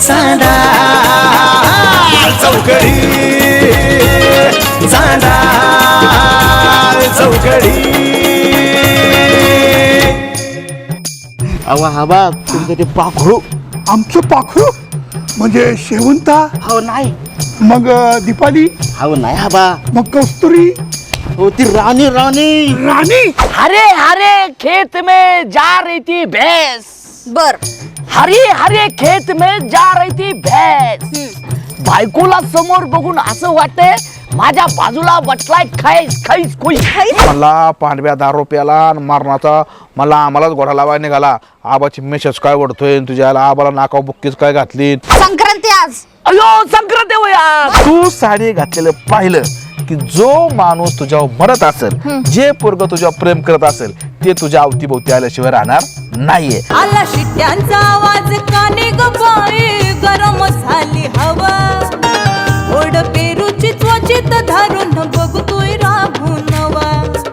चांदा चौकडी चांदा चौकडी. अवा आबा तुमचं ते पाखरू. आमचं पाखरू म्हणजे शेवंता. हो नाही. मग दीपाली. हो नाही आबा. मग कस्तुरी. हो ती राणी राणी राणी. हरे हरे खेत में जा रही थी भैंस. बर. हरे हरे खेत में जा रही थी भैंस. बायकोला समोर बघून असं वाटतंय माझ्या बाजूला बसलाय खैस खैस कोई. मला पांडव्या 10 रुपयाला मारणाचा मला आम्हालाच घोडा लावायला निघाला. आबाची मेसेज काय ओढतोय तुझ्या आबाला नाकाव बुक्कीच काय घातली. संक्रांती आज. अयो संक्रांत आहे हो यार. तू साडी घातलेलं पाहिलं की जो माणूस तुझ्यावर मरत असेल जे पोरग तुझ्यावर प्रेम करत असेल ते तुझ्या अवतीभोवती आल्याशिवाय राहणार नाहीये. आला शिट्ट्यांचा आवाज काने ग बाई गरम झाली हवा. ओढ पेरूची त्वचित धरून बघतोय राहून नवा.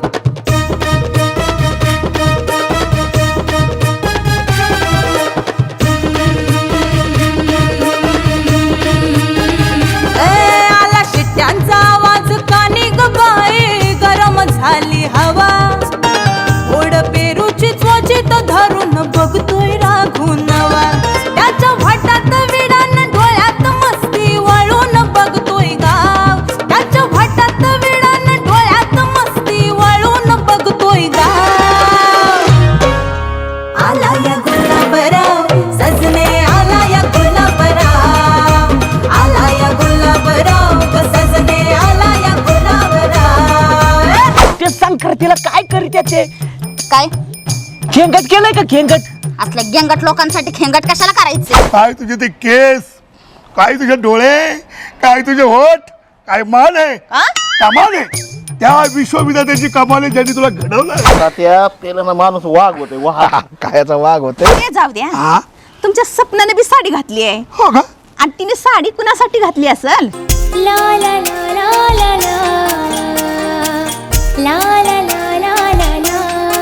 आला शिट्ट्यांचा आवाज काने ग बाई गरम झाली हवा. ओढ पेरूची त्वचित धरून बघतोय राघून नवा. त्याच्या वाटात विडान डोळ्यात मस्ती वळून बघतोय गाव. त्याच्या वाटात विडान डोळ्यात मस्ती वळून बघतोय गाव. आला या गुलाबराव सजने आला या गुलाबराव. आला या गुलाबराव सजने आला या गुलाबराव. ते संक्रांतीला काय करीत ते काय खेंगट केलंय का खेंगट. असल्या गेंगट लोकांसाठी खेंगट कशाला करायचे. काय तुझे ते केस, काय तुझे डोळे, काय तुझे होठ, काय मान आहे, कमाल आहे. त्या विश्वविद्यालयाची कमाल आहे ज्यांनी तुला घडवलं. त्या पेल्यानं माणूस वाघ होते. वाघ कायचा वाघ होते. ते जाऊ द्या. हा तुमच्या सपनाने बी साडी घातली आहे. हो का. आणि तिने साडी कुणासाठी घातली असेल. ला ला ला ला ला ला ला ला ला ला ला ला.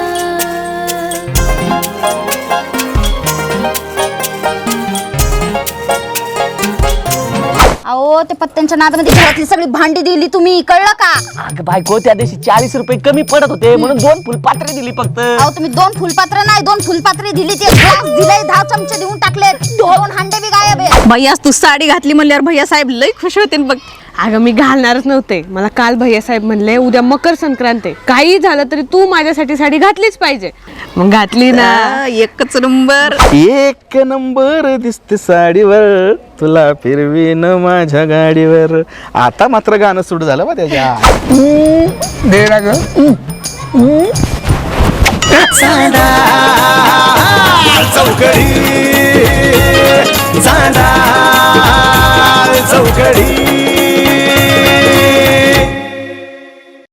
अहो ते पत्त्यांच्या नादामध्ये घरातली सगळी भांडी दिली तुम्ही, कळलं का. अगं बायको त्या दिवशी 40 रुपये कमी पडत होते म्हणून 2 फुलपात्रे दिली फक्त. अहो तुम्ही 2 फुलपात्र नाही 2 फुलपात्रे दिली. ते ग्लास दिले 10 चमचे देऊन टाकले. 2 हांडे बी गायब आहे. भैया तू साडी घातली म्हणल्यावर भैया साहेब लई खुश होते बघ. अगं मी घालणारच नव्हते. मला काल भैया साहेब म्हणले उद्या मकर संक्रांत आहे, काही झालं तरी तू माझ्यासाठी साडी घातलीच पाहिजे. मग घातली ना. एकच नंबर. एक नंबर दिसते साडीवर तुला फिरवीन माझ्या गाडीवर. आता मात्र गाणं सुरू झालं बा त्याच्या. दे ना ग. चांदा चौकडी चांदा चौकडी.